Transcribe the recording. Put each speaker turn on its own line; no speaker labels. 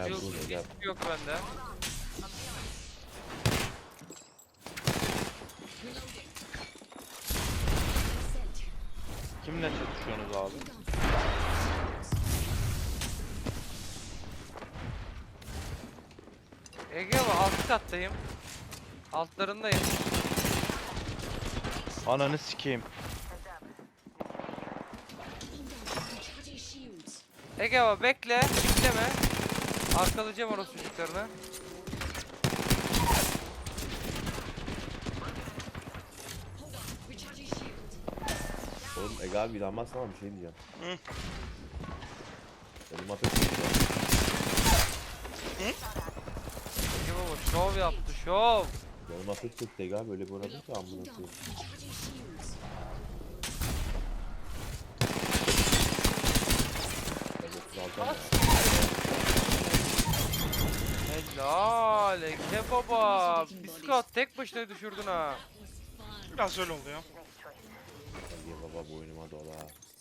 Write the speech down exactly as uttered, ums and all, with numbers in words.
Gel
Cılız
buraya gel.
hiçbir yok bende.
Kimle çatışıyorsunuz abi?
Ege abi alt kattayım. Altlarındayım.
Ananı sikeyim.
Ege abi bekle. Bekleme. Arkalayacağım orası çocuklarını.
Oğlum Ege abi inanmazsan ama bir şey diyeceğim.
Hı.
Benim ateş tutuyor.
Ege baba şov yaptı şov.
Benim ateş tutuyor Ege abi öyle bir uğradım ki amına koyayım. Ben otuz altı ama.
Helal Ege baba. Biskot tek başına düşürdün ha.
Biraz öyle oldu ya.
Ege baba boynuma dola.